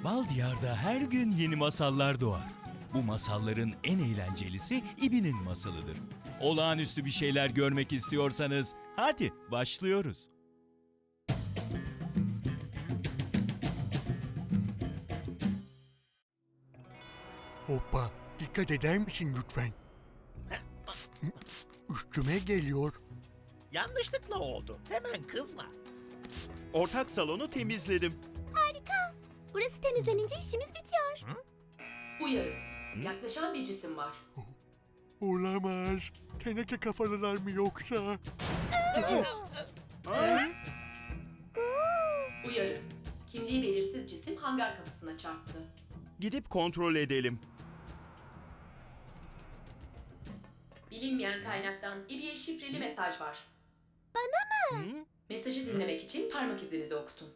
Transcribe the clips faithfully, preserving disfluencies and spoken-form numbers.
Bal Diyar'da her gün yeni masallar doğar. Bu masalların en eğlencelisi İbi'nin masalıdır. Olağanüstü bir şeyler görmek istiyorsanız hadi başlıyoruz. Hoppa, dikkat eder misin lütfen? Üstüme geliyor. Yanlışlıkla oldu. Hemen kızma. Ortak salonu temizledim. Harika. Burası temizlenince işimiz bitiyor. Uyarı. Yaklaşan bir cisim var. Olamaz. Teneke kafalılar mı yoksa? Uyarı. Kimliği belirsiz cisim hangar kapısına çarptı. Gidip kontrol edelim. Bilinmeyen kaynaktan İbi'ye şifreli mesaj var. Bana mı? Hı? Mesajı dinlemek için parmak izinizi okutun.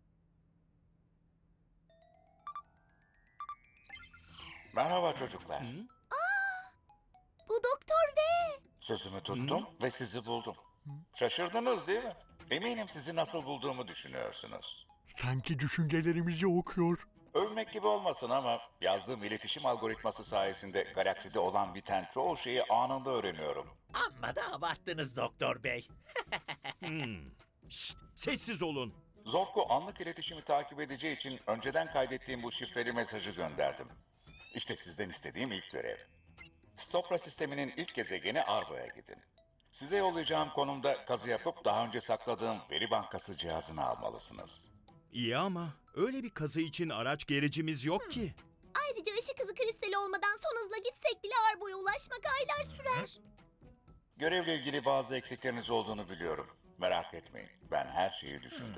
Merhaba çocuklar. Bu Doktor V. Sözümü tuttum ve sizi buldum. Şaşırdınız değil mi? Eminim sizi nasıl bulduğumu düşünüyorsunuz. Sanki düşüncelerimizi okuyor. Övmek gibi olmasın ama yazdığım iletişim algoritması sayesinde galakside olan biten çoğu şeyi anında öğreniyorum. Amma da abarttınız Doktor Bey. Şşt, sessiz olun. Zorko anlık iletişimi takip edeceği için önceden kaydettiğim bu şifreli mesajı gönderdim. İşte sizden istediğim ilk görev. Stopra sisteminin ilk gezegeni Arbo'ya gidin. Size yollayacağım konumda kazı yapıp daha önce sakladığım veri bankası cihazını almalısınız. İyi ama öyle bir kazı için araç gericimiz yok ki. Ayrıca ışık hızı kristali olmadan son hızla gitsek bile Arbo'ya ulaşmak aylar sürer. Görevle ilgili bazı eksikleriniz olduğunu biliyorum. Merak etmeyin, ben her şeyi düşündüm.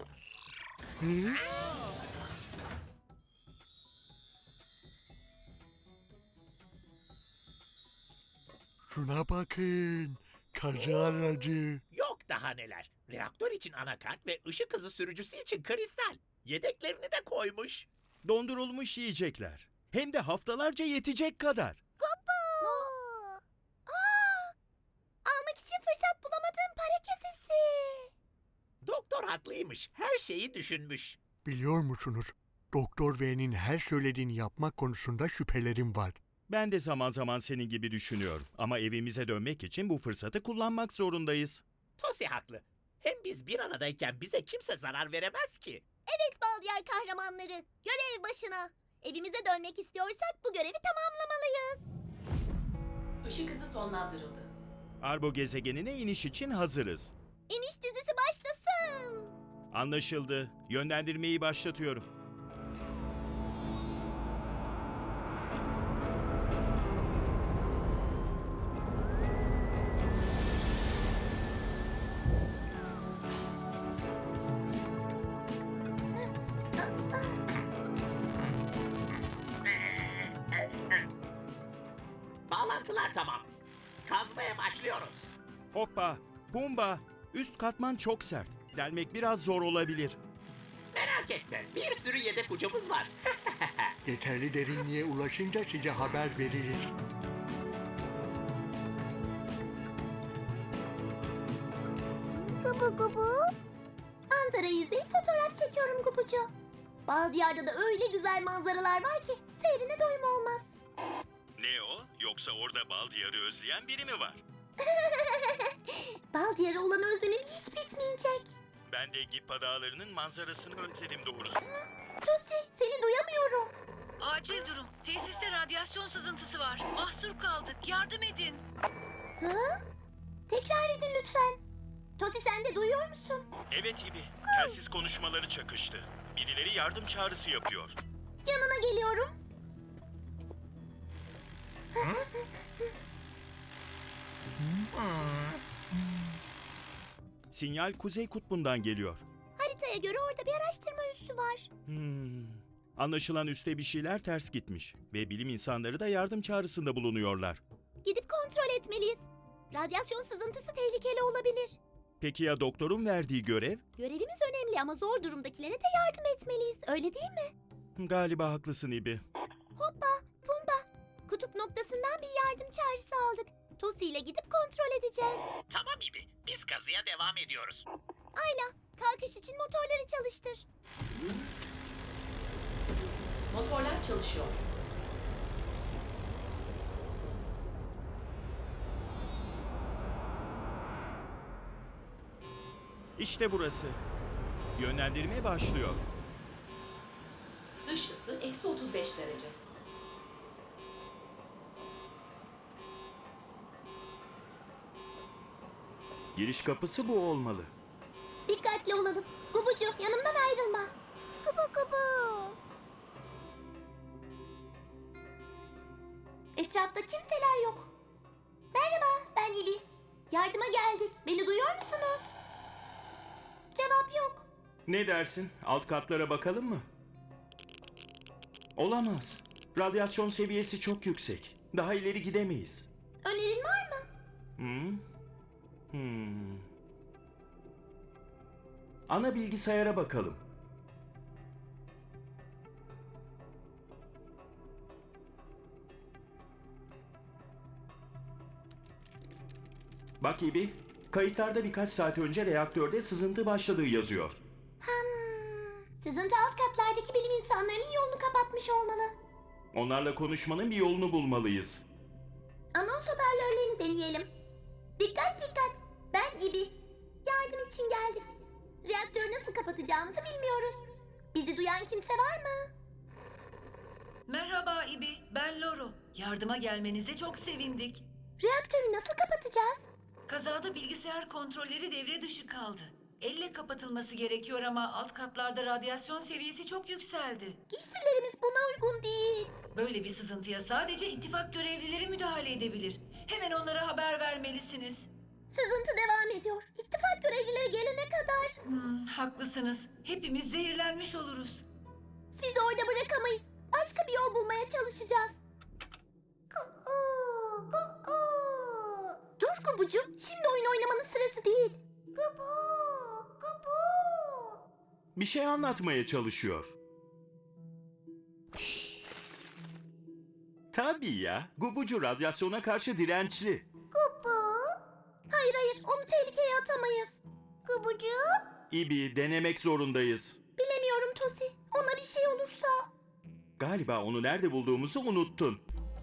Şuna bakın. Kazı aracı. Yok daha neler. Reaktör için anakart ve ışık hızı sürücüsü için kristal. Yedeklerini de koymuş. Dondurulmuş yiyecekler. Hem de haftalarca yetecek kadar. Kupu. Aa, almak için fırsat bulamadığım para kesesi. Doktor haklıymış. Her şeyi düşünmüş. Biliyor musunuz? Doktor V'nin her söylediğini yapmak konusunda şüphelerim var. Ben de zaman zaman senin gibi düşünüyorum. Ama evimize dönmek için bu fırsatı kullanmak zorundayız. Tosi haklı. Hem biz bir aradayken bize kimse zarar veremez ki. Evet Baldiyar kahramanları. Görev başına. Evimize dönmek istiyorsak bu görevi tamamlamalıyız. Işık hızı sonlandırıldı. Arbo gezegenine iniş için hazırız. İniş dizisi başlasın. Anlaşıldı. Yönlendirmeyi başlatıyorum. Bağlantılar tamam. Kazmaya başlıyoruz. Hoppa, Pumba. Üst katman çok sert. Delmek biraz zor olabilir. Merak etme. Bir sürü yedek ucumuz var. Yeterli derinliğe ulaşınca size haber veririz. Gubu gubu. Manzarayı izleyip fotoğraf çekiyorum Gubucu. Baldiyar'da da öyle güzel manzaralar var ki seyrine doyum olmaz. Ne o? Yoksa orada bal diyarı özleyen biri mi var? Baldiyar'a olan özlemim hiç bitmeyecek. Ben de Gippa Dağları'nın manzarasını özledim doğrusu. Tosi seni duyamıyorum. Acil durum. Tesiste radyasyon sızıntısı var. Mahsur kaldık. Yardım edin. Ha? Tekrar edin lütfen. Tosi sen de duyuyor musun? Evet İbi, telsiz konuşmaları çakıştı. Birileri yardım çağrısı yapıyor. Yanına geliyorum. Sinyal Kuzey Kutbu'ndan geliyor. Haritaya göre orada bir araştırma üssü var. Hmm. Anlaşılan üste bir şeyler ters gitmiş ve bilim insanları da yardım çağrısında bulunuyorlar. Gidip kontrol etmeliyiz. Radyasyon sızıntısı tehlikeli olabilir. Peki ya doktorun verdiği görev? Görevimiz önemli ama zor durumdakilere de yardım etmeliyiz. Öyle değil mi? Galiba haklısın İbi. Hoppa, Pumba. Kutup noktasından bir yardım çağrısı aldık. Tosi ile gidip kontrol edeceğiz. Tamam İbi. Biz kazıya devam ediyoruz. Ayla, kalkış için motorları çalıştır. Motorlar çalışıyor. İşte burası. Yönlendirme başlıyor. Dış ısı eksi otuz beş derece. Giriş kapısı bu olmalı. Dikkatli olalım. Gubucu yanımdan ayrılma. Kubu kubu. Etrafta kimseler yok. Merhaba, ben İli. Yardıma geldik. Beni duyuyor musunuz? Cevap yok. Ne dersin? Alt katlara bakalım mı? Olamaz. Radyasyon seviyesi çok yüksek. Daha ileri gidemeyiz. Önerin var mı? Hmm. Hmm. Ana bilgisayara bakalım. Bak İbi, kayıtlarda birkaç saat önce reaktörde sızıntı başladığı yazıyor. Hmm. Sızıntı alt katlardaki bilim insanlarının yolunu kapatmış olmalı. Onlarla konuşmanın bir yolunu bulmalıyız. Anons hoparlörlerini deneyelim. Dikkat dikkat. Ben İbi. Yardım için geldik. Reaktörü nasıl kapatacağımızı bilmiyoruz. Bizi duyan kimse var mı? Merhaba İbi, ben Loro. Yardıma gelmenize çok sevindik. Reaktörü nasıl kapatacağız? Kazada bilgisayar kontrolleri devre dışı kaldı. Elle kapatılması gerekiyor ama alt katlarda radyasyon seviyesi çok yükseldi. Giysilerimiz buna uygun değil. Böyle bir sızıntıya sadece ittifak görevlileri müdahale edebilir. Hemen onlara haber vermelisiniz. Sızıntı devam ediyor. İttifak görevlileri gelene kadar. Hmm, haklısınız. Hepimiz zehirlenmiş oluruz. Sizi orada bırakamayız. Başka bir yol bulmaya çalışacağız. Dur Kubucu. Şimdi oyun oynamanın sırası değil. Kubu, Kubu. Bir şey anlatmaya çalışıyor. Tabii ya, Gubucu radyasyona karşı dirençli. Kubu. Hayır hayır onu tehlikeye atamayız. Kubucu. İbi, denemek zorundayız. Bilemiyorum Tosi. Ona bir şey olursa. Galiba onu nerede bulduğumuzu unuttun.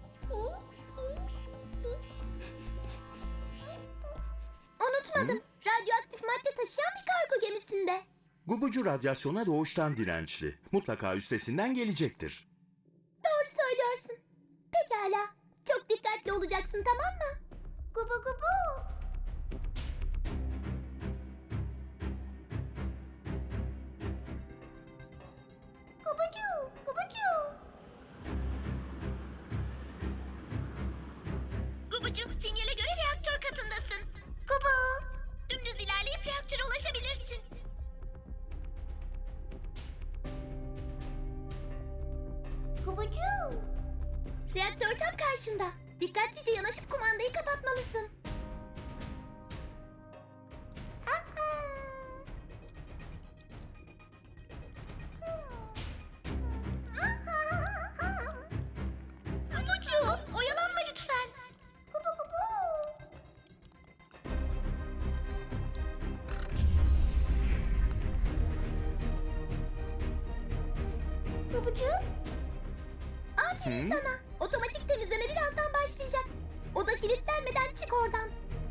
Unutmadım. Radyoaktif madde taşıyan bir kargo gemisinde. Gubucu radyasyona doğuştan dirençli. Mutlaka üstesinden gelecektir. Doğru söylüyorsun. Pekala. Çok dikkatli olacaksın tamam mı? Gubu gubu. Gubucu, gubucu. Gubucu, sinyale göre reaktör katındasın. Gubu. Dümdüz ilerleyip reaktöre ulaşabilirsin. Gubucu. Reaktör tam karşında. Dikkatlice yanaşıp kumandayı kapatmalısın. Gubucu, oyalanma lütfen. Gubu gubu. Gubucu. Aferin Hı? sana. Otomatik temizleme birazdan başlayacak. Oda kilitlenmeden çık oradan.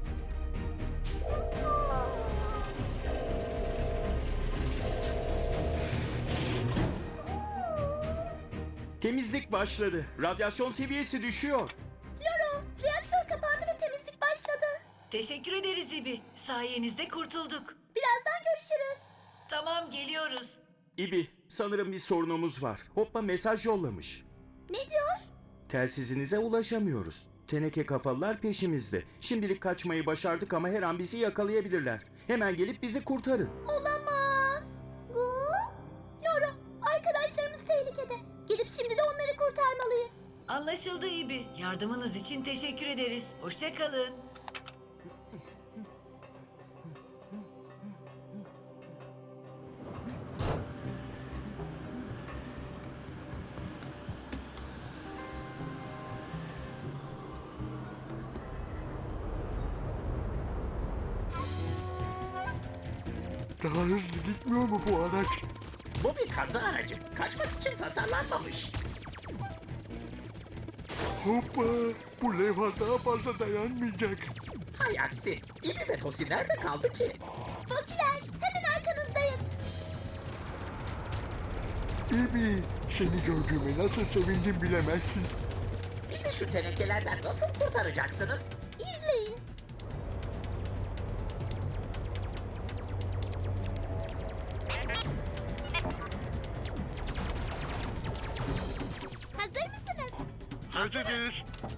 Temizlik başladı. Radyasyon seviyesi düşüyor. Loro, reaktör kapandı ve temizlik başladı. Teşekkür ederiz İbi. Sayenizde kurtulduk. Birazdan görüşürüz. Tamam, geliyoruz. İbi, sanırım bir sorunumuz var. Hoppa mesaj yollamış. Ne diyor? Telsizinize ulaşamıyoruz. Teneke kafalılar peşimizde. Şimdilik kaçmayı başardık ama her an bizi yakalayabilirler. Hemen gelip bizi kurtarın. Olamaz. Gu? Loro, arkadaşlarımız tehlikede. Gidip şimdi de onları kurtarmalıyız. Anlaşıldı İbi. Yardımınız için teşekkür ederiz. Hoşça kalın. Daha hızlı gitmiyor mu bu araç? Bu bir kazı aracı. Kaçmak için tasarlanmamış. Hoppa! Bu levha daha fazla dayanmayacak. Hay aksi. İbi ve Tosi nerede kaldı ki? Fokiler, hemen arkanızdayız. İbi, seni gördüğüme nasıl sevindim bilemezsin. Bizi şu tenekelerden nasıl kurtaracaksınız? İzleyin. Hazır mısınız? Hazırız.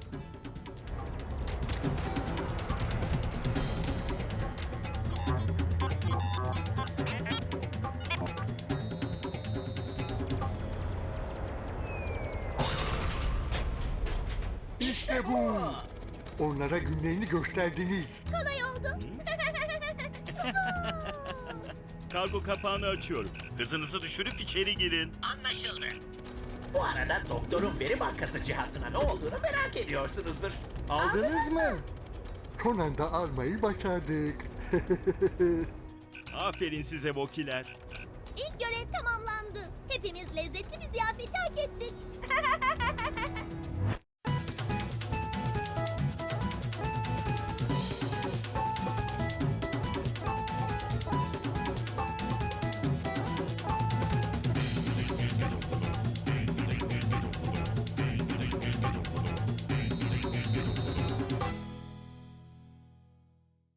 İşte bu. Onlara günlerini gösterdiniz. Kolay oldu. Kargo kapağını açıyorum. Hızınızı düşürüp içeri girin. Anlaşıldı. Bu arada doktorun veri bankası cihazına ne olduğunu merak ediyorsunuzdur. Aldınız mı? Son anda almayı başardık. Aferin size Vokiler. İlk görev tamamlandı. Hepimiz lezzetli bir ziyaret